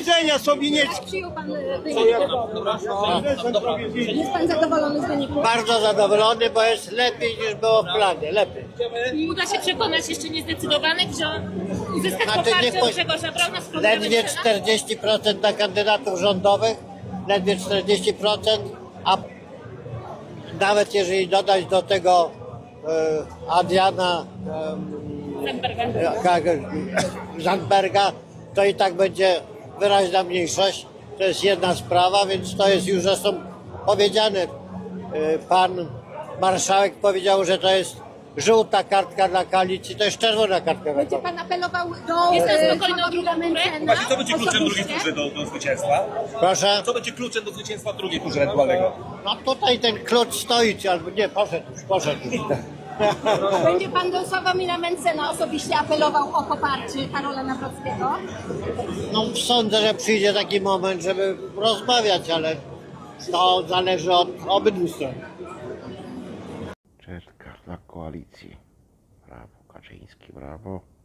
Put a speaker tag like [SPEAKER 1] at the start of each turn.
[SPEAKER 1] widzenia, Sowieniecki.
[SPEAKER 2] Przyjął pan wynik wyborów. Jest pan zadowolony z wyniku?
[SPEAKER 3] Bardzo zadowolony, bo jest lepiej niż było w planie, lepiej.
[SPEAKER 4] Uda się przekonać jeszcze niezdecydowanych, że uzyskać
[SPEAKER 3] Znaczy,
[SPEAKER 4] poparcie od Grzegorza Brauna z programem
[SPEAKER 3] Ledwie
[SPEAKER 4] Senat?
[SPEAKER 3] 40% na kandydatów rządowych, ledwie 40%, a nawet jeżeli dodać do tego Adriana Zandberga, to i tak będzie wyraźna mniejszość. To jest jedna sprawa, więc to jest już zresztą powiedziane. Pan marszałek powiedział, że to jest żółta kartka dla koalicji, to jest czerwona kartka dla
[SPEAKER 2] Będzie
[SPEAKER 3] koalicji.
[SPEAKER 2] pan apelował do
[SPEAKER 4] Jest pan spokojny o drugą turę?
[SPEAKER 5] Właśnie, co będzie kluczem drugiej tury do zwycięstwa?
[SPEAKER 3] Proszę?
[SPEAKER 5] Co będzie kluczem do zwycięstwa drugiej tury ewentualnego?
[SPEAKER 3] No tutaj ten klucz stoi, albo nie, poszedł już.
[SPEAKER 2] Będzie pan do Sławomira Mencena osobiście apelował o poparcie Karola Nawrockiego?
[SPEAKER 3] No sądzę, że przyjdzie taki moment, żeby rozmawiać, ale to zależy od obydwu stron.
[SPEAKER 6] Czerka dla koalicji. Brawo, Kaczyński, brawo.